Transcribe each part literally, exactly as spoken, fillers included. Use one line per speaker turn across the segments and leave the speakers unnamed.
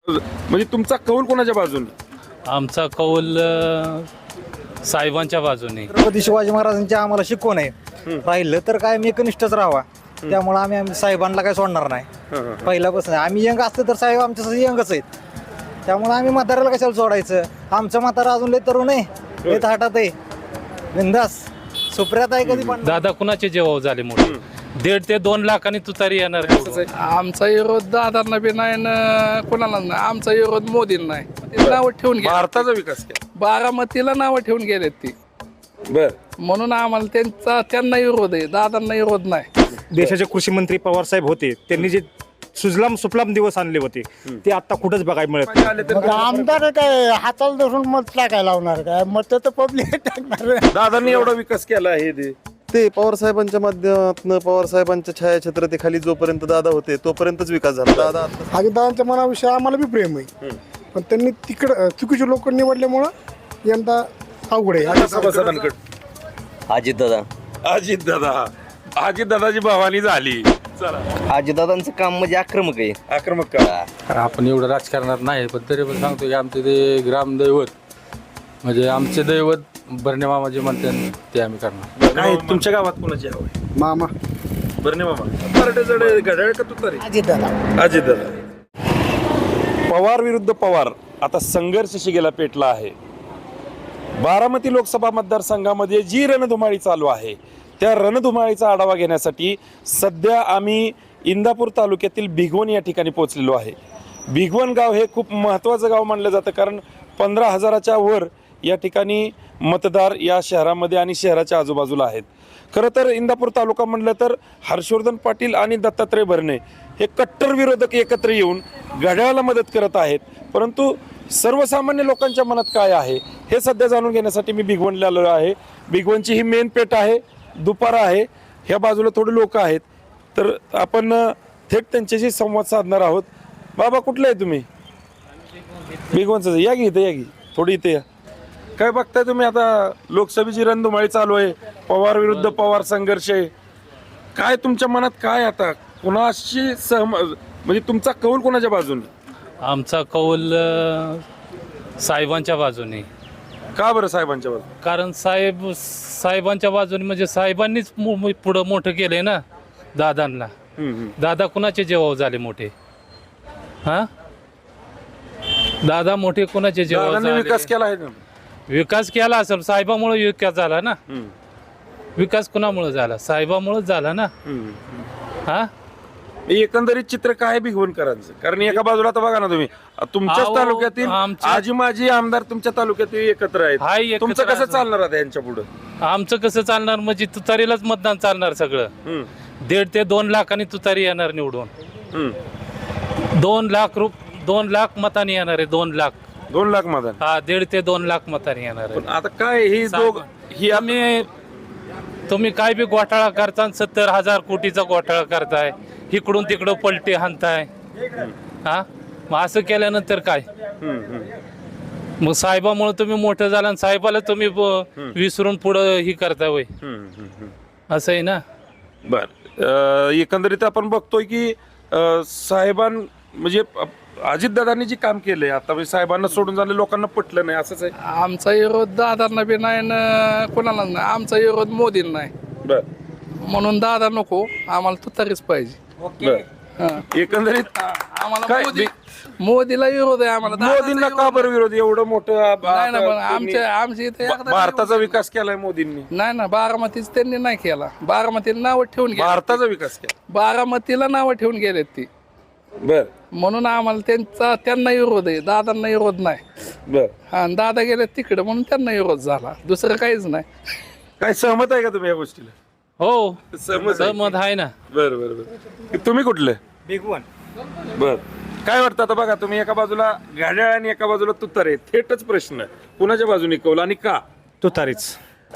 म्हणजे तुमचा कौल कोणाच्या बाजूने?
आमचा कौल अ, साहेबांच्या बाजूने.
छत्रपती शिवाजी महाराजांची आम्हाला शिकवण आहे. राहिलं तर काय मी एकनिष्ठच राहावा. त्यामुळे आम्ही आम्ही साहेबांना काय सोडणार नाही. पहिल्यापासून आम्ही यंग असतो तर साहेब आमच्यासाठी यंगच आहेत. त्यामुळे आम्ही म्हाताऱ्याला कशाला सोडायचं. आमचं म्हातारा अजून लय तरुण आहे, लय थाटात आहे, बिंदास सुप्रियात आहे. कधी पण
दादा कुणाचे जेव्हा झाले मोठे दीड ते दोन लाखांनी तुतारी येणार.
आमचा विरोध दादांना बी नाही ना कोणाला नाही. आमचा विरोध मोदींना नाही. ते नावं ठेवून गेले.
भारताचा विकास केला.
बारामतीला नावं ठेवून गेलेत ती,
बर
म्हणून आम्हाला त्यांचा त्यांना विरोध आहे, दादांना विरोध नाही.
देशाचे कृषी मंत्री पवार साहेब होते, त्यांनी जे सुजलाम सुफलाम दिवस आणले होते ते आता कुठंच बघायला मिळत नाही.
आमदार काय हाताला धरून मत टाकायला लावणार काय? मत तर पब्लिक टाकणार.
दादांनी एवढा विकास केला आहे ते
ते पवार साहेबांच्या माध्यमातून पवार साहेबांच्या छायाछत्रतेखाली जोपर्यंत दादा होते तोपर्यंतच विकास झाला. दादा आता
अजितदादांच्या मनाविषयी आम्हाला बी प्रेम आहे, पण त्यांनी तिकडं चुकीचे लोक निवडल्यामुळं यंदा अवघड आहे.
सभासदांकडे
अजित दादा
अजित दादा अजित दादाची भवानी झाली. चला
अजित दादांचं काम म्हणजे आक्रमक आहे.
आक्रमक का?
आपण एवढं राजकारणात नाही, पण तरी पण सांगतो की आमचे ते ग्रामदैवत म्हणजे आमचे दैवत बर्णे मामा जे म्हणतात ते आम्ही करणार.
काय तुमच्या गावात कोणाची हवं आहे?
मामा
बर्णे मामा मराठे घड्याळ का तुतारी?
अजितदादा
अजित दादा. पवार विरुद्ध पवार आता संघर्ष शिगेला पेटला आहे. बारामती लोकसभा मतदारसंघामध्ये जी रणधुमाळी चालू आहे त्या रणधुमाळीचा आढावा घेण्यासाठी सध्या आम्ही इंदापूर तालुक्यातील भिगवण या ठिकाणी पोहोचलेलो आहे. भिगवण गाव हे खूप महत्त्वाचं गाव मानलं जातं, कारण पंधरा हजाराच्या वर या ठिकाणी मतदार या शहरामध्ये आणि शहराच्या आजूबाजूला आहेत. खरं तर इंदापूर तालुका म्हटलं तर हर्षवर्धन पाटील आणि दत्तात्रय भरणे हे कट्टर विरोधक एकत्र येऊन घड्याळाला मदत करत आहेत. परंतु सर्वसामान्य लोकांच्या मनात काय आहे हे सध्या जाणून घेण्यासाठी मी भिगवणला आलेलो आहे. भिगवणची ही मेन पेठ आहे, दुपारा आहे, ह्या बाजूला थोडे लोक आहेत, तर आपण थेट त्यांच्याशी संवाद साधणार आहोत. बाबा कुठले आहे तुम्ही? भिगवणचं. या की इथं या की थोडी इथे या. काय बघताय तुम्ही? आता लोकसभेची रणधुमाळी चालू आहे, पवार विरुद्ध पवार संघर्ष आहे. काय तुमच्या मनात काय आता कुणाशी सहम म्हणजे तुमचा कौल कोणाच्या बाजूने?
आमचा कौल अ, साहेबांच्या बाजूने.
का बरं साहेबांच्या बाजूने?
कारण साहेब साहेबांच्या बाजूने म्हणजे साहेबांनीच मो- मो- पुढं मोठं केलंय ना दादांना. दादा कुणाचे जेव्हा झाले मोठे? हा दादा मोठे कुणाचे जेव्हा
दादांनी
झाले?
विकास केला आहे ना.
विकास केला असेल, साहेबामुळे विकास झाला ना. विकास कुणामुळे झाला? साहेबामुळेच झाला ना. हा
एकंदरीत चित्र काय भिगवणकरांचं? कारण एका बाजूला आता बघा ना तुम्ही तुमच्याच
अहो,
तालुक्यातील
आमच्या-
आजी माजी आमदार तुमच्या तालुक्यातील एकत्र
हाय,
आहेत.
एकत्र
तुमचं कसं
असं.
चालणार आता यांच्या पुढे?
आमचं कसं चालणार? म्हणजे तुतारीलाच मतदान चालणार सगळं. दीड ते दोन लाखांनी तुतारी येणार निवडून. दोन लाख रुप दोन लाख मतांनी येणार आहे. दोन लाख
दोन लाख मतदान.
हा दीड ते दोन लाख मतांनी येणार आहे.
पण आता काय ही दोघ ही आता-
तुम्ही तुम्ही काय बी घोटाळा करता, सत्तर हजार कोटीचा घोटाळा करताय, इकडून तिकडं पलटी हाणताय. हा मग असं केल्यानंतर काय? मग साहेबामुळे तुम्ही मोठं झाला आणि साहेबाला तुम्ही ब- विसरून पुढं ही करताय वय. असं आहे ना.
बर अं, एकंदरीत आपण बघतोय की अं, साहेबां म्हणजे अजितदादांनी जे काम केलंय आता म्हणजे साहेबांना सोडून झालं लोकांना पटलं नाही असंच आहे.
आमचा विरोध दादांना बी नाही ना कोणाला नाही. आमचा विरोध मोदींना नाही,
बर
म्हणून दादा नको, आम्हाला तुतारीच पाहिजे.
बर
हा.
एकंदरीत
आम्हाला
काय
मोदी मोदीला विरोध आहे आम्हाला.
मोदींना का बरं विरोध? एवढं मोठं
नाही ना, पण
आता
आमच्या आमच्या इथे
तुम्ही-
एकदा
भारताचा विकास केलाय मोदींनी.
नाही ना, बारामतीच त्यांनी नाही केला. बारामतीला नावं ठेवून गेले.
भारताचा विकास केला.
बारामतीला नावं ठेवून गेलेत ती,
बर
म्हणून आम्हाला त्यांचा त्यांना विरोध आहे, दादांना विरोध नाही.
बर
हा आणि दादा गेले तिकडे म्हणून त्यांना विरोध झाला, दुसरं काहीच नाही.
काय सहमत आहे का तुम्ही या गोष्टीला?
हो
सहमत आहे.
सहमत आहे ना.
बर बर बर तुम्ही कुठले?
भिगवण.
बर काय वाटतं आता बघा तुम्ही एका बाजूला घड्याळ आणि एका बाजूला तुतार आहे. थेटच प्रश्न कुणाच्या बाजूने कौल आणि का?
तुतारीच.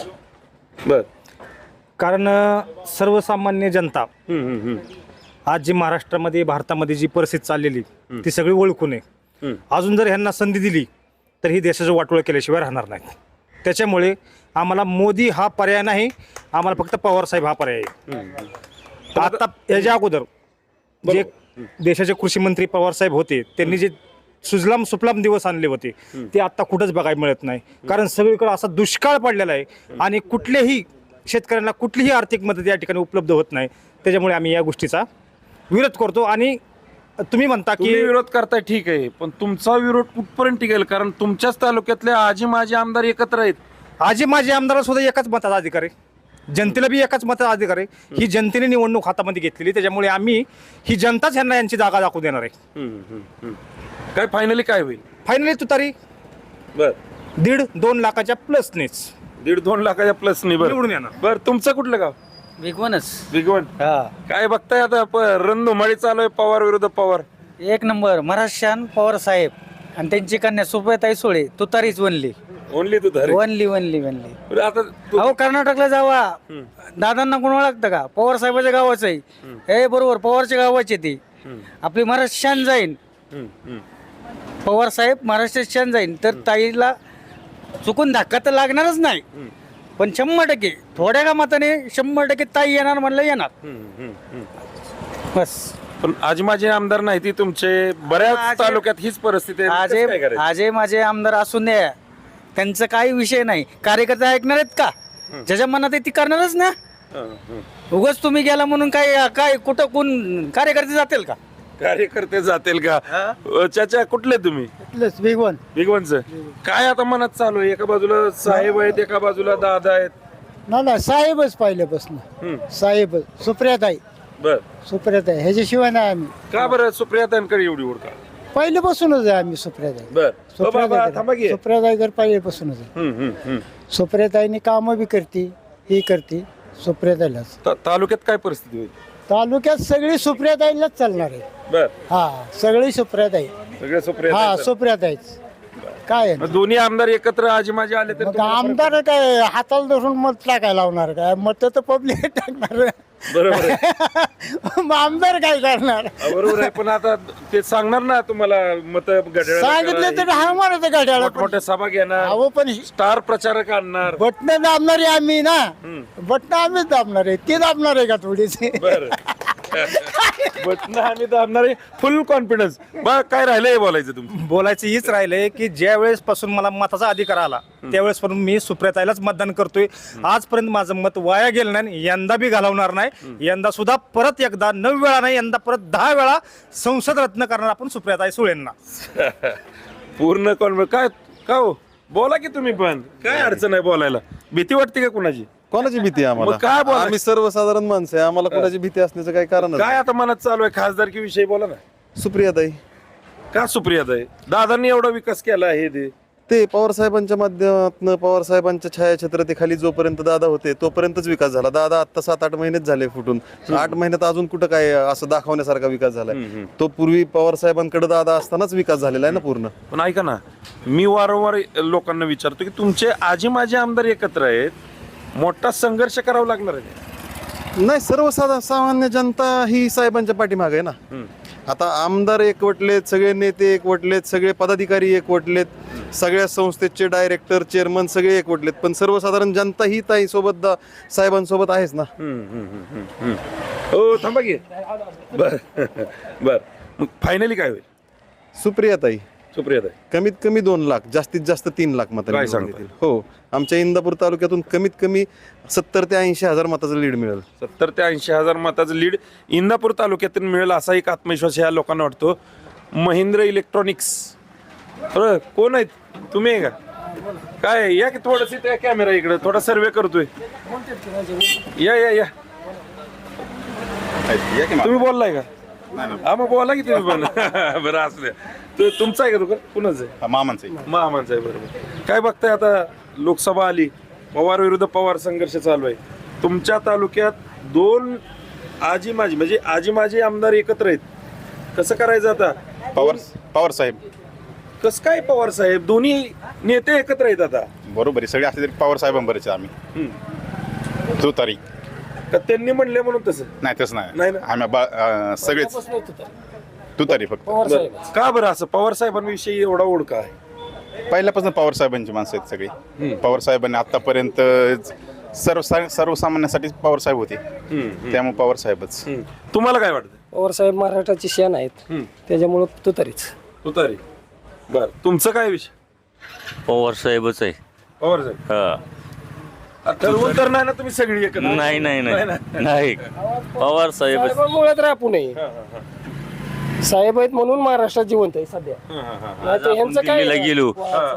बर
कारण अ, सर्वसामान्य जनता
हम्म, हम्म, हम्म.
आज जी महाराष्ट्रामध्ये भारतामध्ये जी परिस्थिती चाललेली ती सगळी ओळखून आहे. अजून जर ह्यांना संधी दिली तर ही देशाचं वाटोळं केल्याशिवाय राहणार नाही. त्याच्यामुळे आम्हाला मोदी हा पर्याय नाही, आम्हाला फक्त पवार साहेब हा पर्याय आहे. आता याच्या अगोदर जे देशाचे कृषी मंत्री पवार साहेब होते त्यांनी जे सुजलाम सुफलाम दिवस आणले होते ते आता कुठंच बघायला मिळत नाही. कारण सगळीकडे असा दुष्काळ पडलेला आहे आणि कुठलेही शेतकऱ्यांना कुठलीही आर्थिक मदत या ठिकाणी उपलब्ध होत नाही. त्याच्यामुळे आम्ही या गोष्टीचा विरोध करतो. आणि तुम्ही म्हणता
तुम्ही
की
विरोध करताय ठीक आहे, पण तुमचा विरोध कुठपर्यंत टिकेल? कारण तुमच्याच तालुक्यातले आजी माजी आमदार एकत्र आहेत.
आजी माझे आमदार सुद्धा एकाच मताचा अधिकार आहे, जनतेला बी एकाच मताचा अधिकार आहे. ही जनतेने निवडणूक हातामध्ये घेतलेली, त्याच्यामुळे आम्ही ही जनताच यांना यांची जागा दाखवू देणार आहे.
काय फायनली काय होईल?
फायनली तुतारी
बर
दीड दोन लाखाच्या प्लसनेच
दीड दोन लाखाच्या प्लस नाही.
निवडून
बरं
येणार.
बरं तुमचं कुठलं गाव?
विगवनच
भिगवण. काय बघताय आता? प- रणधुमाळी चालू आहे पवार विरुद्ध पवार.
एक नंबर महाराष्ट्रान पवार साहेब आणि त्यांची कन्या सुप्रियाताई सुळे तुतारीच वनली
ओनली तू धरे.
वनली वनली वनली
बरं, आता तू-
अहो कर्नाटकला जावा, दादांना कोण ओळखतं का? पवार साहेबाच्या गावाचं आहे हे, बरोबर पवारच्या गावाची ती. आपली महाराष्ट्र शान जाईन,
हम्म, हम्म.
पवार साहेब महाराष्ट्रात शान जाईन, तर ताईला चुकून धक्का तर लागणारच नाही. पण शंभर टक्के थोड्या का मताने शंभर टक्के ताई येणार म्हणलं येणार.
हम्म, हम्म, हम्म.
बस
पण आजी माझे आमदार नाही ती तुमचे बऱ्याच
आजे-
तालुक्यात हीच परिस्थिती आहे.
आजे
कसं काय करायचं?
आजे माझे आमदार असून द्या, त्यांचा काही विषय नाही. कार्यकर्ते ऐकणार आहेत का? ज्याच्या मनात आहे ती करणारच ना.
हं, हं.
उगाच तुम्ही गेला म्हणून काय काय कुठं कोण कार्यकर्ते जातील का?
कार्यकर्ते जातील का? अ, चाचा कुठले तुम्ही?
भिगवण
भिगवणचं. काय आता मनात चालू आहे? एका बाजूला साहेब आहेत, एका बाजूला दादा आहेत.
ना ना साहेबच पहिल्यापासून
हम्म.
साहेब सुप्रियाताई
बर
सुप्रियाताई ह्याच्याशिवाय नाही आम्ही
का बरं सुप्रियातांकडे एवढी ओळख?
पहिल्यापासूनच आहे आम्ही सुप्रियाताई
बर ओ बाबा, थांबा की.
सुप्रियाताईकर पहिल्यापासूनच आहे.
हम्म, हम्म, हम्म.
सुप्रियाताईने कामं बी करते ही करते सुप्रियाताईलाच.
ता- तालुक्यात काय परिस्थिती होईल?
तालुक्यात सगळी सुप्रियाताईलाच चालणार आहे.
बर
हा सगळी सुप्रियाताई.
सगळे
हा
सुप्रिया
सुप्रियाताईच. काय आहे?
दोन्ही आमदार एकत्र आजी माझे आले तर
मग
तुम्हाला फरक-
आमदार काय हाताला धरून मत टाकायला लावणार काय? मत तर पब्लिक टाकणार.
बरोबर आहे.
मग आमदार काय करणार?
हा, बरोबर आहे. पण आता ते सांगणार ना तुम्हाला मत
सांगितलं तर हा म्हणत गाड्याला
मोठमोठ्या सभा घेणार,
अहो पण
स्टार प्रचारक आणणार.
बटणं दाबणारे आम्ही ना, बटणं आम्हीच दाबणार आहे. ते दाबणार आहे का थोडीच?
बर बटन आम्ही दाबणारे. फुल कॉन्फिडन्स. बा काय राहिलंय बोलायचं तुमचं?
बोलायचं हीच राहिलंय की ज्या वेळेस पासून मला मताचा अधिकार आला त्यावेळेस पासून मी सुप्रियाताईलाच मतदान करतोय. आजपर्यंत माझं मत वाया गेलं नाही, यंदा बी घालवणार नाही. यंदा सुद्धा परत एकदा नऊ वेळा नाही, यंदा परत दहा वेळा संसद रत्न करणार आपण सुप्रियाताई सुळेंना.
पूर्ण कॉन्फिडन्स. काय का हो? बोला की तुम्ही पण. काय अडचण आहे बोलायला? भीती वाटते का कुणाची?
कोणाची भीती आहे
मग काय
आम्हाला?
बोलायचं?
आम्ही सर्वसाधारण माणसं आहे, आम्हाला कोणाची भीती असण्याचं काही कारण
काय आता मनात चालू आहे? खासदारकी विषयी बोला ना.
सुप्रियाताई
का सुप्रियाताई? दादांनी एवढा विकास केला आहे ते.
ते पवार साहेबांच्या माध्यमातून पवार साहेबांच्या छायाछत्राखाली जोपर्यंत दादा होते तोपर्यंतच विकास झाला. दादा आता सात आठ महिनेच झाले फुटून. आठ महिन्यात अजून कुठं काय असं दाखवण्यासारखा विकास झालाय? तो पूर्वी पवार साहेबांकडे दादा असतानाच विकास झालेला आहे ना पूर्ण.
पण ऐका ना, मी वारंवार लोकांना विचारतो की तुमचे आजी माझे आमदार एकत्र आहेत, मोठा संघर्ष करावा लागणार आहे.
नाही, सर्वसाधारण सामान्य जनता ही साहेबांच्या पाठीमागे आहे ना. आता आमदार एकवटलेत, सगळे नेते एकवटलेत, सगळे पदाधिकारी एकवटलेत, सगळ्या संस्थेचे डायरेक्टर चेअरमन सगळे एकवटलेत, पण सर्वसाधारण जनता ही ताई सोबत साहेबांसोबत आहेच ना.
हो थांबा की. बर बर मग फायनली काय होईल?
सुप्रियाताई
सुप्रियाताई.
कमीत कमी दोन लाख जास्तीत जास्त तीन लाख मत
काय सांगताय?
हो, आमच्या इंदापूर तालुक्यातून कमीत कमी सत्तर ते ऐंशी हजार मताचं लीड मिळेल.
सत्तर ते ऐंशी हजार मताचं लीड इंदापूर तालुक्यातून मिळेल असा एक आत्मविश्वास ह्या लोकांना वाटतो. महिंद्र इलेक्ट्रॉनिक्स. बरं कोण आहेत? तुम्ही आहे का? काय या की थोडस त्या कॅमेरा इकडे थोडा सर्वे करतोय. या या या तुम्ही बोललाय का? हा मग बोला की तुम्ही पण. बरं असू द्या. तु- तुमचं आहे का दुकान? कुणाचं आहे?
मामांचं
मामांचं आहे. बरोबर. काय बघताय आता? लोकसभा आली, पवार विरुद्ध पवार संघर्ष चालू आहे. तुमच्या तालुक्यात दोन आजी माझी म्हणजे आजी माझी आमदार एकत्र आहेत. कसं करायचं आता?
पवार पवार साहेब.
कसं काय पवार साहेब? दोन्ही नेते एकत्र आहेत आता.
बरोबर आहे, सगळे असले तरी पवार साहेबांबरेच आम्ही. तो तारीख
का त्यांनी म्हणले म्हणून तसं?
नाही तसं
नाही
नाही
ना?
आम्ही बा- अं, सगळेच तू तारी फक्त
बरं. का बरं असं? पवार साहेबांविषयी एवढा ओळख आहे?
पहिल्यापासून पवार साहेबांची माणसं आहेत सगळी. पवार साहेबांनी आतापर्यंत सर्व सर्वसामान्यांसाठी पवार साहेब होते, त्यामुळे पवार साहेबच.
तुम्हाला काय वाटतं?
पवार साहेब महाराष्ट्राची शान आहेत, त्याच्यामुळं तुतारीच.
तुतारी. बर तुमचं काय विषय?
पवार साहेबच आहे.
पवार साहेब
हा.
ठरवून तर नाही ना तुम्ही सगळी एकत्र?
नाही नाही नाही नाही पवार साहेबच.
मुळात राहू नये. साहेब आहेत म्हणून महाराष्ट्रात जिवंत आहे सध्या. नाहीतर ह्यांचं काय
दिल्लीला गेलो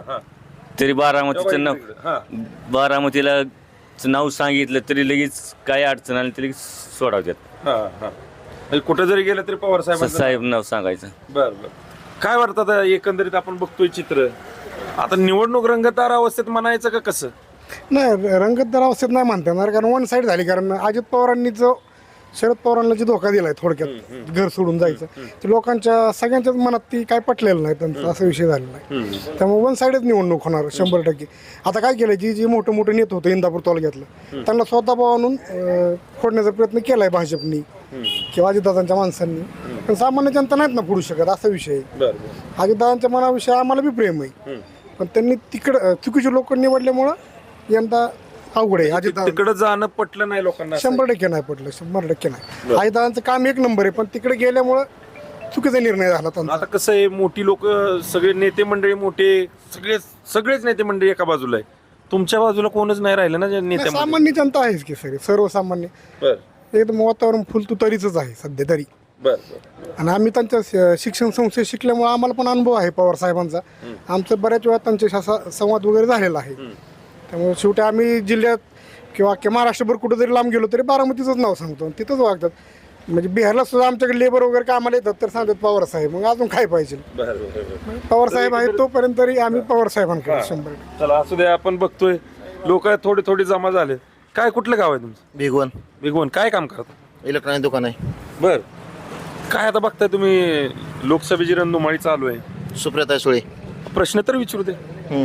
तरी बारामतीचं नाव
हा.
बारामतीला नाव सांगितलं तरी लगेच काय अडचण आली तरी सोडावतात.
हा, हा. म्हणजे कुठं जरी गेलं तरी पवार साहेब
साहेब नाव सांगायचं.
बर बर काय वाटतं आता एकंदरीत आपण बघतोय चित्र आता निवडणूक रंगतदार अवस्थेत म्हणायचं का कसं?
नाही रंगतदार अवस्थेत नाही म्हणता येणार कारण वन साईड झाली कारण अजित पवारांनी जो शरद पवारांना जो धोका दिलाय थोडक्यात घर सोडून जायचं ते लोकांच्या सगळ्यांच्याच मनात ती काय पटलेलं नाही त्यांचा असा विषय झालेला आहे. त्यामुळे वन साईडच निवडणूक होणार शंभर टक्के. आता काय केलं जी जी मोठं मोठं नेत होतं इंदापूर तालुक्यातलं त्यांना स्वतः आणून फोडण्याचा प्रयत्न केलाय भाजपनी किंवा अजितदादांच्या माणसांनी. पण सामान्य जनता नाहीत ना फोडू शकत असा विषय आहे. अजितदादांच्या मनाविषयी आम्हाला बी प्रेम आहे पण त्यांनी तिकडं चुकीचे लोक निवडल्यामुळं यंदा अवघड आहे. अजित
तिकडे जाणं पटलं नाही लोकांना?
शंभर टक्के नाही पडलं, शंभर टक्के नाही. अजितदादांचं काम एक नंबर आहे पण तिकडे गेल्यामुळं चुकीचा निर्णय झाला त्यांचा.
आता कसं आहे मोठी लोक सगळे नेते मंडळी मोठे सगळे सगळेच नेते मंडळी एका बाजूला आहे तुमच्या बाजूला कोणच नाही राहिलं ना जे नेते मंडळी?
सामान्य जनता आहेच की सगळे सर्वसामान्य
बर
एकदम वातावरण फुलतू तरीच आहे सध्या तरी.
बर
आणि आम्ही त्यांच्या श- शिक्षण संस्थेत शिकल्यामुळे आम्हाला पण अनुभव आहे पवार साहेबांचा. आमचं बऱ्याच वेळा त्यांच्याशी असा संवाद वगैरे झालेला आहे. त्यामुळे शेवटी आम्ही जिल्ह्यात किंवा अख्ख्या महाराष्ट्रभर कुठं जरी लांब गेलो तरी बारामतीचंच नाव सांगतो तिथंच वागतात. म्हणजे बिहारला सुद्धा आमच्याकडे लेबर वगैरे कामाला येतात तर सांगतात पवार साहेब मग अजून काय पाहिजे. पवार साहेब आहेत तोपर्यंत तरी आम्ही पवार साहेबांकडे शंभर टक्के.
चला असू द्या आपण बघतोय लोक थोडे थोडे जमा झाले. काय कुठलं गाव आहे तुमचं?
भिगवण
भिगवण. काय काम करता?
इलेक्ट्रॉनिक दुकान आहे.
बर काय आता बघताय तुम्ही लोकसभेची रणधुमाळी चालू आहे.
सुप्रियाताई सुळे.
प्रश्न तर विचारू दे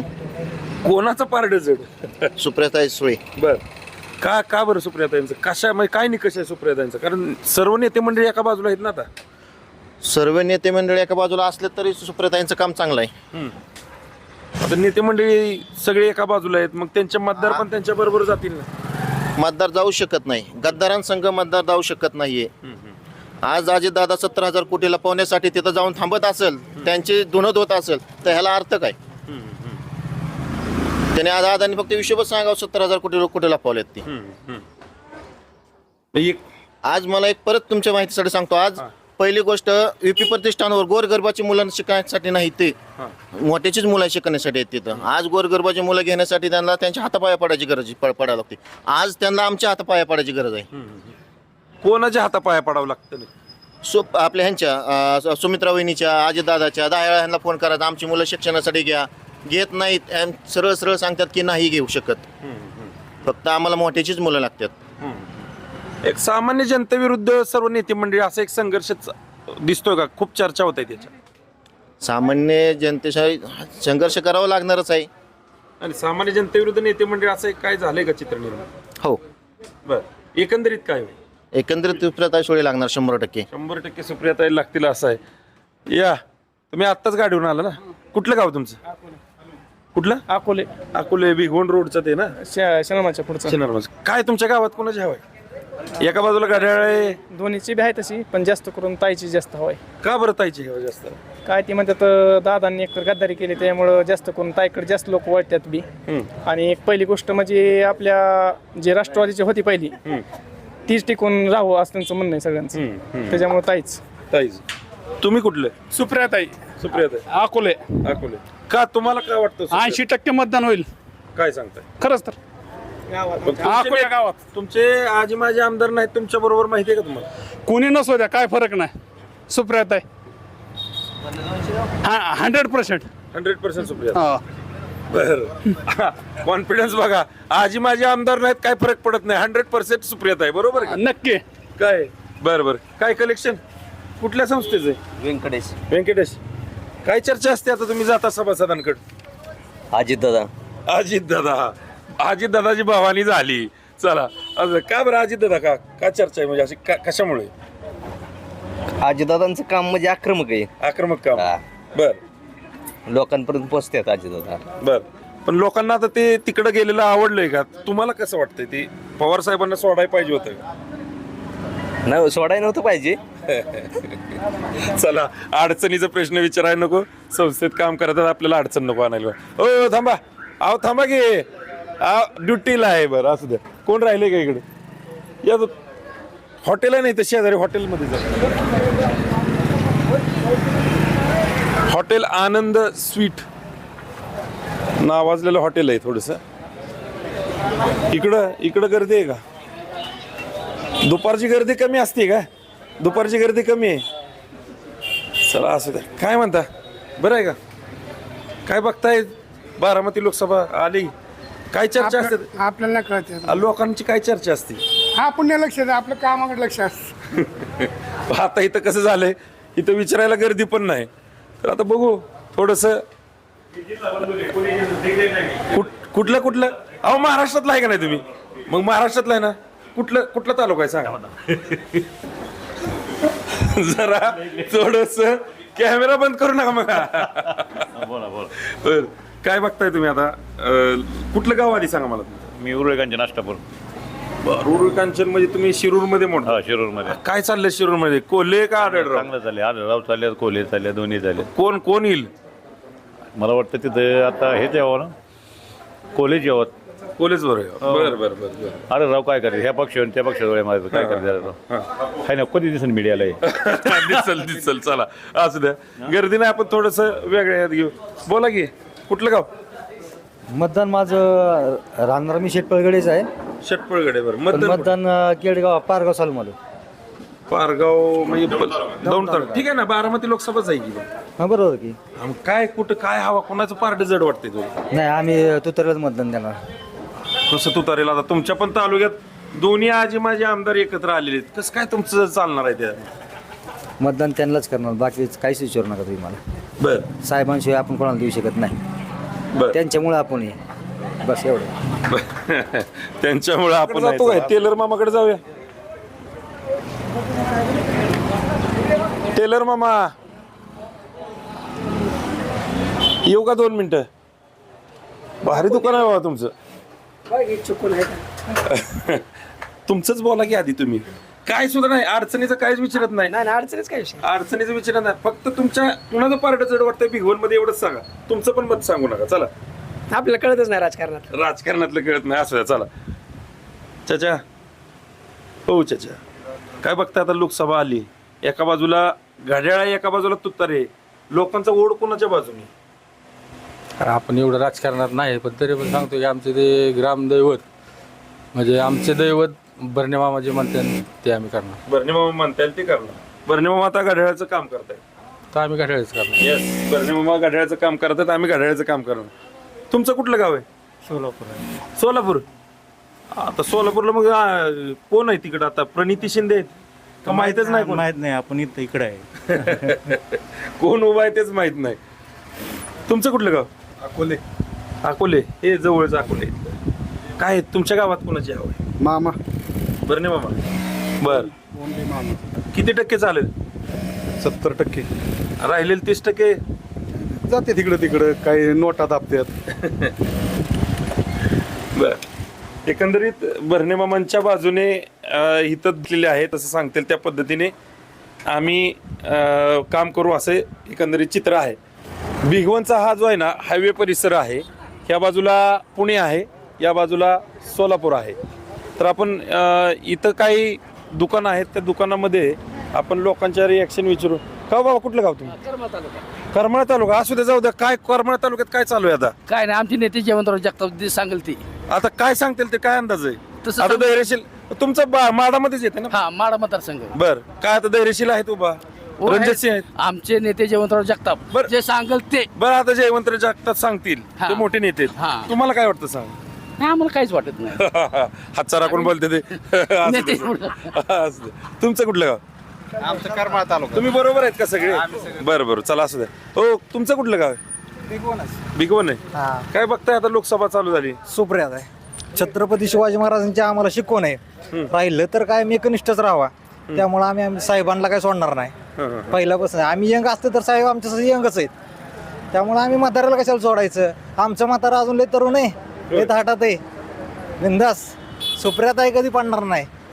कोणाचं पारडं जड?
सुप्रियाताई सुळे.
बर का का बरं सुप्रियाताईंचं कशा म्हणजे काय निकष आहे सुप्रियाताईंचं? कारण सर्व नेते मंडळी एका बाजूला आहेत ना आता.
सर्व नेते मंडळी एका बाजूला असले तरी सुप्रियाताईंचं काम चांगलं आहे.
आता नेते मंडळी सगळे एका बाजूला आहेत मग त्यांचे मतदार पण त्यांच्या बरोबर जातील ना?
मतदार जाऊ शकत नाही. गद्दारांसंघ मतदार जाऊ शकत नाहीये. आज अजितदादा सत्तर हजार कोटीला पावण्यासाठी तिथं जाऊन थांबत असेल त्यांची धुनत होत असेल तर ह्याला अर्थ काय? त्याने आज आदानी फक्त विषयच सांगावं सत्तर हजार कोटी कोटीला पावलेत ती.
एक
आज मला एक परत तुमच्या माहितीसाठी सांगतो. आज पहिली गोष्ट युपी प्रतिष्ठानवर गोरगरबाची मुलं शिकण्यासाठी नाही ते मोठ्याचीच मुलं शिकण्यासाठी आहेत तिथं. आज गोरगरबाची मुलं घेण्यासाठी त्यांना त्यांच्या हातापाया पडायची गरज पडायला लागते. आज त्यांना आमच्या हातापाया पडायची गरज आहे.
कोणाच्या हातापाया पडावं लागतं?
सु आपल्या ह्यांच्या सुमित्रा वहिनीच्या अजितदादाच्या दहा वेळा ह्यांना फोन करायचा आमची मुलं शिक्षणासाठी घ्या घेत नाहीत. सरळ सरळ सांगतात की नाही घेऊ शकत. फक्त आम्हाला मोठ्याचीच मुलं लागतात.
एक सामान्य जनतेविरुद्ध सर्व नेते मंडळी असा एक संघर्ष दिसतोय का? खूप चर्चा होत आहे त्याच्या.
सामान्य जनतेशी संघर्ष करावा लागणारच आहे.
आणि सामान्य जनतेविरुद्ध नेते मंडळी असं एक काय झालंय का चित्र निर्माण?
हो.
बर एकंदरीत काय होईल?
एकंदरीत सुप्रियाताई सुळे लागणार शंभर टक्के.
शंभर टक्के सुप्रियाताई लागतील असं आहे. या तुम्ही आत्ताच गाडीवरून आला ना? कुठलं गाव तुमचं? कुठलं?
अकोले
अकोले भिगवण रोडचं ते ना?
शनमाच्या पुढचं.
शिनरमज. काय तुमच्या गावात कोणाची हवा आहे? एका बाजूला घड्याळ आहे.
दोन्हीची बी आहे तशी पण जास्त करून ताईची जास्त हवाय.
का बरं ताईची हवा जास्त?
काय ती म्हणतात दादांनी एक गद्दारी केली त्यामुळं जास्त करून ताईकडे जास्त लोक वळतात बी. आणि एक पहिली गोष्ट म्हणजे आपल्या जे राष्ट्रवादीची होती पहिली तीच टिकून राहू असं त्यांचं म्हणणं आहे सगळ्यांचं. त्याच्यामुळे ताईच.
ताईच. तुम्ही कुठले?
सुप्रियाताई
सुप्रियाताई.
अकोले.
अकोले. का तुम्हाला काय वाटतं?
ऐंशी टक्के मतदान होईल.
काय सांगताय?
खरंच तर
पण तुमचे
अकोल्या गावात
तुमचे आजी माझे आमदार नाहीत तुमच्या बरोबर माहिती आहे का तुम्हाला?
कोणी नसू द्या काय फरक नाही. सुप्रियाताई hundred percent
hundred percent Supriya. बर कॉन्फिडन्स बघा. आजी माझे आमदार नाहीत काय फरक पडत नाही. हंड्रेड पर्सेंट सुप्रियात आहे. बरोबर का?
नक्की.
काय बर बर काय कलेक्शन कुठल्या संस्थेचं आहे?
व्यंकटेश.
व्यंकटेश. काय चर्चा असते आता तुम्ही जाता सभासदांकडे?
अजितदादा.
अजित दादा. अजित दादाची भावानी झाली. चला असं का बरं अजित दादा? का का चर्चा आहे म्हणजे अशी का कशामुळे?
अजितदादांचं काम म्हणजे आक्रमक आहे.
आक्रमक काम.
हा.
बर
लोकांपर्यंत पोहोचतात अजितदादा.
बर पण लोकांना आता ते तिकडे गेलेलं आवडलंय का? तुम्हाला कसं वाटतंय? ते पवार साहेबांना सोडायला पाहिजे होतं?
नाही सोडायला नव्हतं पाहिजे.
चला अडचणीचा प्रश्न विचारायला नको, संस्थेत काम करतात आपल्याला अडचण नको आणायला. ओ थांबा, अहो थांबा की ड्युटीला आहे. बरं असू द्या. कोण राहिले का इकडे? या तो हॉटेल आहे, नाही तर शेजारी हॉटेलमध्ये जा. हॉटेल आनंद स्वीट नावाजलेलं हॉटेल आहे. थोडंसं इकडं इकडं गर्दी आहे का? दुपारची गर्दी कमी असते का? दुपारची गर्दी कमी आहे. चला असू द्या. काय म्हणता, बरं आहे का? काय बघताय? बारामती लोकसभा आली, काय चर्चा असते?
आपल्याला कळते
लोकांची काय चर्चा असते?
हा पुण्य लक्ष द्या, आपलं कामाकडे लक्ष असतं.
आता इथं कसं झालंय, इथं विचारायला गर्दी पण नाही. तर आता बघू थोडस कुठलं कुठलं. अहो महाराष्ट्रातला आहे का नाही तुम्ही? मग महाराष्ट्रातला आहे ना? कुठलं कुठला तालुका आहे सांगा मला. जरा थोडस कॅमेरा बंद करू नका मग.
बोला बोला.
बर, काय बघताय तुम्ही आता? अं, कुठलं गाव आधी सांगा मला.
मी उरुळकांचे नाश्तापूर.
रुरळ कांचन म्हणजे तुम्ही शिरूर मध्ये मोठा.
हा शिरूर मध्ये.
काय चाललंय शिरूर मध्ये? कोल्हे का आढळराव?
चांगलं चालले. आढळराव चालले, कोल्हे चालले, दोन्ही चालले.
कोण कोण येईल?
मला वाटतं तिथं आता हेच यावं ना, कोल्हेच यावं.
कोल्हेच बरोबर. बरं बरं बरं.
अरे राव काय करते ह्या पक्षावर त्या पक्षावर माझं काय करते हाय ना, कधी दिसून मीडियाला.
दिसल दिसल. चला असू द्या, गर्दी नाही. आपण थोडस वेगळ्या यात घेऊ. बोला की, कुठलं गाव?
मतदान माझं राहणार मी शेटपळगडेच आहे.
षटपळगडे. बरं,
पण
मतदान
मतदान अं, केडगाव पारगाव सालमाल.
पारगाव म्हणजे दौंड तालुका. ठीक आहे ना, बारामती लोकसभाच आहे की.
हा बरोबर की.
मग काय कुठं काय हवा, कोणाचं पार्ट जड वाटतंय तुला?
नाही आम्ही तुतरलाच मतदान देणार.
कसं तू तारेल? आता तुमच्या पण तालुक्यात दोन्ही आजी माझे आमदार एकत्र आलेले आहेत. कसं काय तुमचं चालणार आहे त्या?
मतदान त्यांनाच करणार, बाकी काहीच विचारू नका तुम्ही मला.
बर
साहेबांशिवाय आपण कोणाला देऊ शकत नाही.
बर.
त्यांच्यामुळे आपण हे बस एवढं.
त्यांच्यामुळे आपण जातो काय टेलर मामाकडे जाऊया. टेलर मामा येऊ का? दोन मिनिटं. भारी दुकान आहे बाबा तुमचं. तुमचंच बोला की आधी तुम्ही. काय सुद्धा नाही, अडचणीचं काहीच विचारत नाही.
अडचणीच काय विषय.
अडचणीचं विचारत नाही. फक्त तुमच्या कुणाचं पार्ट जड वाटतंय भिगवण मध्ये एवढंच सांगा. तुमचं पण मत सांगू नका. चला,
आपल्याला कळतच नाही राजकारणात.
राजकारणातलं कळत नाही असं. चला चाचा, हो चाचा, काय बघताय आता? लोकसभा आली, एका बाजूला घड्याळ आहे, एका बाजूला तुतारे. लोकांचा ओढ कोणाच्या बाजूने?
कारण आपण एवढं राजकारणात नाही, पण तरी पण सांगतो की आमचे ते ग्रामदैवत म्हणजे आमचे दैवत बर्णे मामा जे म्हणतात ते आम्ही करणार.
बर्णे मामा म्हणता येईल ते करणार. बर्णे मामा आता घड्याळाचं काम करताय.
तर आम्ही घड्याळच करणार.
येस, बर्णे मामा घड्याळाचं काम करतात, आम्ही घड्याळाचं काम करणार. तुमचं कुठलं गाव आहे?
सोलापूर.
सोलापूर. आता सोलापूरला मग आ, कोण आहे तिकडं आता? प्रणिती शिंदे आहेत का? माहितच नाही कोण.
माहित नाही, आपण इथं इकडे आहे.
कोण उभा आहे तेच माहित नाही. तुमचं कुठलं गाव?
अकोले.
अकोले. हे जवळच अकोले. काय तुमच्या गावात कोणाची हवं आहे?
मामा.
बर्णे मामा. बर, किती टक्के चालेल?
सत्तर टक्के
राहिलेले तीस टक्के
जाते तिकडं तिकडं, काही नोटा दाबतात.
बर, एकंदरीत बर्णे मामांच्या बाजूने अं, हित दिलेले आहे तसं सांगतील त्या पद्धतीने आम्ही अं, काम करू असे एकंदरीत चित्र आहे. भिगवणचा हा जो आहे ना हायवे परिसर आहे. ह्या बाजूला पुणे आहे, या बाजूला सोलापूर आहे. तर आपण अं, इथं काही दुकानं आहेत, त्या दुकानामध्ये आपण लोकांच्या रिॲक्शन विचारू. का बाबा, कुठलं गाव तुम्ही? करमाळा तालुका. असू द्या, जाऊ द्या. काय करमाळा तालुक्यात काय चालू आहे आता?
काय नाही, आमची नेते जयवंतराव जगताप सांगेल ती.
आता काय सांगतील ते? काय अंदाज आहे
तसं
आता? धैर्यशील तुमचं बा- माडामध्येच येते ना?
हा, माडा मतदारसंघ.
बर, काय आता धैर्यशील आहेत उभा? रणजित सिंह आहेत.
आमचे नेते जयवंतराव जगताप
बरं.
जे सांगेल ते.
बरं, आता जयवंत जगतात सांगतील,
हा.
ते मोठे नेते आहेत.
हा.
तुम्हाला काय वाटतं सांग?
नाही, आम्हाला काहीच वाटत नाही.
हातचा राखून बोलते ते. असू
नेते
दे. असू दे. तुमचं कुठलं गाव?
आमचं करमाळा तालुका.
तुम्ही बरोबर आहेत का सगळे? बरं बरं, चला असू द्या. हो, तुमचं कुठलं गाव आहे? भिगवण आहे. काय बघताय आता? लोकसभा चालू झाली.
सुप्रियात आहे. छत्रपती शिवाजी महाराजांची आम्हाला शिकवण आहे. राहिलं तर काय मी एकनिष्ठच राहावा. त्यामुळे आम्ही आम्ही साहेबांना काय सोडणार नाही. पहिल्यापासून आम्ही यंग असतो तर साहेब आमच्यासाठी यंगच आहेत. त्यामुळे आम्ही म्हाताऱ्याला कशाला सोडायचं? आमचं म्हातारा अजून लय तरुण आहे, लय थाटात आहे, बिंदास. सुप्रियात आहे, कधी पडणार नाही.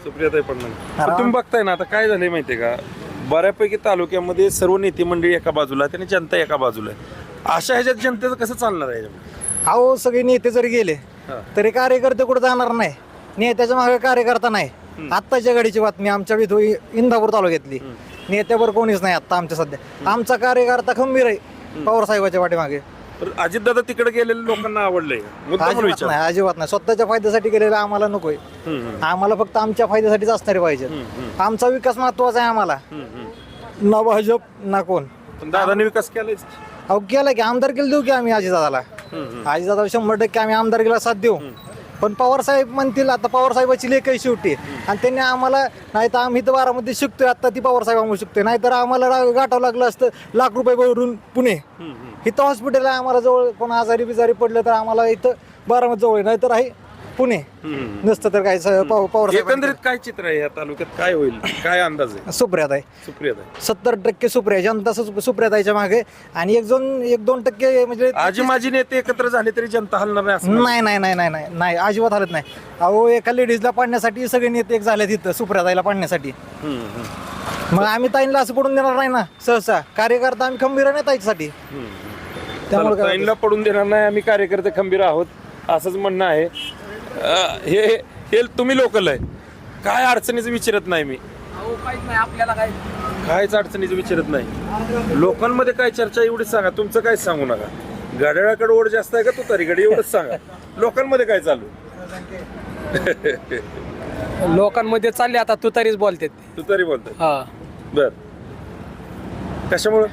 सुप्रियाताई पडणार तुम्ही बघताय ना आता काय झालंय माहितीये का, बऱ्यापैकी तालुक्यामध्ये सर्व नेते मंडळी एका बाजूला आहे आणि जनता एका बाजूला आहे. अशा ह्याच्यात जनतेचं कसं चालणार आहे?
अहो सगळे नेते जरी गेले तरी कार्यकर्ते कुठे जाणार नाही, नेत्याच्या मागे कार्यकर्ता नाही. आत्ताच्या घडीची बातमी आमच्या इथं इंदापूर तालुक्यातली, नेत्यावर कोणीच नाही आता आमच्या सध्या. आमचा कार्यकर्ता खंबीर आहे पवार साहेबाच्या पाठीमागे.
अजितदादा तिकडे गेलेल्या लोकांना आवडलंय मुद्दाम
अजिबात
विचार.
नाही, अजिबात नाही. स्वतःच्या फायद्यासाठी गेलेला आम्हाला नकोय. आम्हाला फक्त आमच्या फायद्यासाठीच असणारे पाहिजे. आमचा विकास महत्वाचा आहे आम्हाला, ना भाजप ना कोण.
पण दादाने विकास केलाच.
अहो केला की आमदारकीला देऊ की आम्ही अजितदादाला. अजितदादाला शंभर टक्के आम्ही आमदारकीला साथ देऊ. पण पवार साहेब म्हणतील आता पवार साहेबाची लेख आहे शेवटी, आणि त्यांनी आम्हाला नाही तर आम्ही तर बारामध्ये शिकतोय आता ती पवार साहेबांमुळे शिकतोय, नाहीतर आम्हाला रा- गाठावं लागलं असतं लाख रुपये भरून पुणे. इथं हॉस्पिटल आहे आम्हाला जवळ, कोण आजारी बिजारी पडलं तर आम्हाला इथं बारामती जवळ आहे, नाहीतर आहे पुणे. नसतं तर काय स- पव- पवार साहेब
एकंदरीत काय चित्र आहे या तालुक्यात, काय होईल, काय अंदाज आहे?
सुप्रियात आहे,
सुप्रियाताई
सत्तर टक्के सुप्रिया, जनता सु- सुप्रियाताईच्या मागे. आणि एक दोन एक दोन टक्के म्हणजे
आजी माझी नेते एकत्र झाले तरी जनता हलणार नाही असं
नाही नाही नाही नाही नाही नाही अजिबात हालत नाही. अहो एका लेडीजला पाडण्यासाठी सगळे नेते एक झाले तिथं सुप्रियाताईला पाडण्यासाठी. मग आम्ही ताईंना असं पडून देणार नाही ना सहसा. कार्यकर्ता आम्ही खंबीर आहे ना ताईसाठी. त्यामुळे काय
ताईंना पडून देणार नाही, आम्ही कार्यकर्ते खंबीर आहोत असंच म्हणणं आहे. अं, हे हे तुम्ही लोकल आहे, काय अडचणीचं विचारत नाही मी,
आपल्याला काय
कायच अडचणीचं विचारत नाही. लोकांमध्ये काय चर्चा एवढीच सांगा, तुमचं काय सांगू नका. गाड्याकडे ओढ जास्त आहे का तुतारीकडे एवढंच सांगा. लोकांमध्ये काय चालू?
लोकांमध्ये चालले आता तुतारीच बोलते.
तुतारी बोलतात
हा
बर, कशामुळं?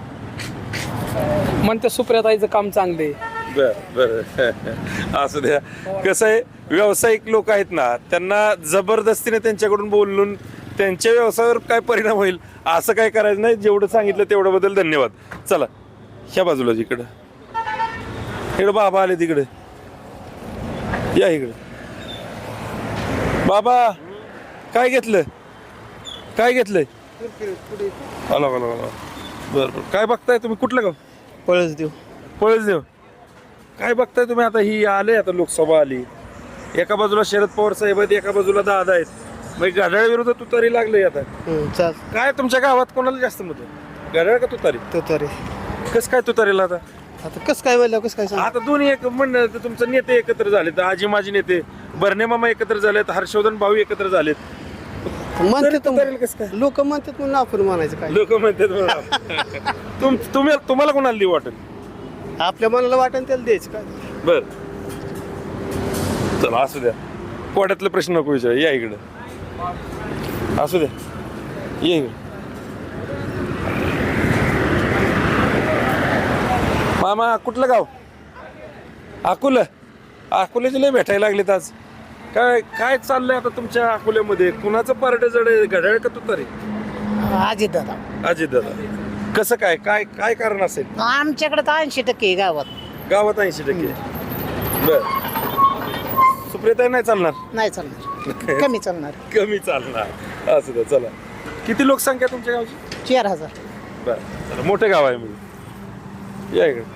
म्हणते सुप्रियाताईचं काम चांगले.
बर बर असू द्या. कसं आहे, व्यावसायिक लोक आहेत ना, त्यांना जबरदस्तीने त्यांच्याकडून बोलून त्यांच्या व्यवसायावर काय परिणाम होईल असं काय करायचं नाही. जेवढं सांगितलं तेवढं बद्दल धन्यवाद. चला ह्या बाजूला, इकडं इकडं बाबा आले, तिकडे या इकडे. बाबा काय घेतलं, काय घेतलंय? आला आला आला. बरं बरं, काय बघताय तुम्ही, कुठलं गाव?
पळस देऊ.
पळस देव. काय बघताय तुम्ही आता? ही आले आता लोकसभा आली, एका बाजूला शरद पवार साहेब आहेत, एका बाजूला दादा आहेत, मग घड्याळ विरुद्ध तुतारी लागले आता. काय तुमच्या गावात कोणाला जास्त मत आहे, घड्याळ का तुतारी?
तुतारी.
कस काय तुतारीला आता?
आता कसं काय बोललं, कसं काय
आता दोन्ही एक म्हणणं, तर तुमचे नेते एकत्र झालेत, आजी माजी नेते बर्णे मामा एकत्र झालेत, हर्षवर्धन भाऊ एकत्र झालेत. तरी तुतारीला कसं काय?
लोक म्हणतात म्हणून आपण म्हणायचं काय.
लोक म्हणतात म्हणून. तुम तुम्ही तुम्हाला कोणाला देऊ वाटेल?
आपल्या मनाला वाटेल त्याला द्यायचं काय.
बर चला असू द्या, कोड्यातले प्रश्न नको विचार. या इकडं असू द्या, ये इकडे. मामा कुठलं गाव? अकोला. अकोल्याचे लय भेटायला लागलेत आज. काय काय चाललंय आता तुमच्या अकोल्यामध्ये? कुणाचं पार्ट जड आहे, घड्याळ का तुतारी?
अजित दादा.
अजित दादा. कसं काय, काय काय कारण असेल?
आमच्याकडे तर ऐंशी टक्के गावात.
गावात ऐंशी टक्के. बर, सुप्रियाताई नाही चालणार?
नाही चालणार, कमी चालणार.
कमी चालणार, असू द्या. चला, किती लोकसंख्या तुमच्या गावची?
चार हजार.
बर चला, मोठे गाव आहे म्हणजे. या इकडे.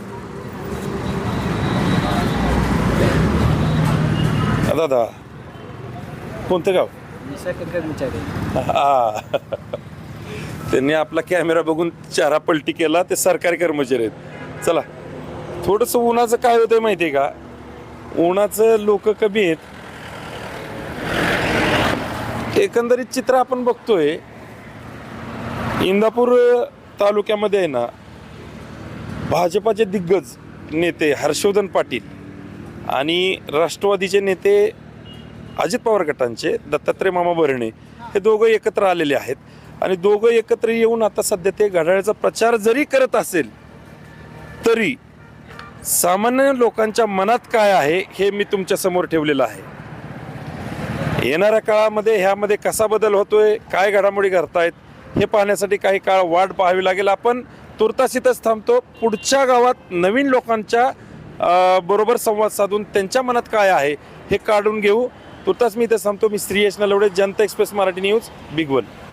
दादा कोणतं गाव? हा, त्यांनी आपला कॅमेरा बघून चारा पलटी केला, ते सरकारी कर्मचारी आहेत. चला, थोडंसं उन्हाचं काय होतंय माहितीये का, उन्हाचं लोक कमी आहेत. एकंदरीत चित्र आपण बघतोय, इंदापूर तालुक्यामध्ये आहे ना, भाजपाचे दिग्गज नेते हर्षवर्धन पाटील आणि राष्ट्रवादीचे नेते अजित पवार गटांचे दत्तात्रय मामा भरणे हे दोघं एकत्र आलेले आहेत. आणि दोघं एकत्र येऊन आता सध्या ते घड्याळाचा प्रचार जरी करत असेल तरी सामान्य लोकांच्या मनात काय आहे हे मी तुमच्या समोर ठेवलेलं आहे. येणाऱ्या काळामध्ये ह्यामध्ये कसा बदल होतोय, काय घडामोडी घडतायत हे पाहण्यासाठी काही काळ वाट पाहावी लागेल. आपण तुर्तास इथंच थांबतो. पुढच्या गावात नवीन लोकांच्या बरोबर संवाद साधून त्यांच्या मनात काय आहे हे काढून घेऊ. तुर्तास मी इथं थांबतो. मी Shri Yash Nalawade, Janata express Marathi news, big one.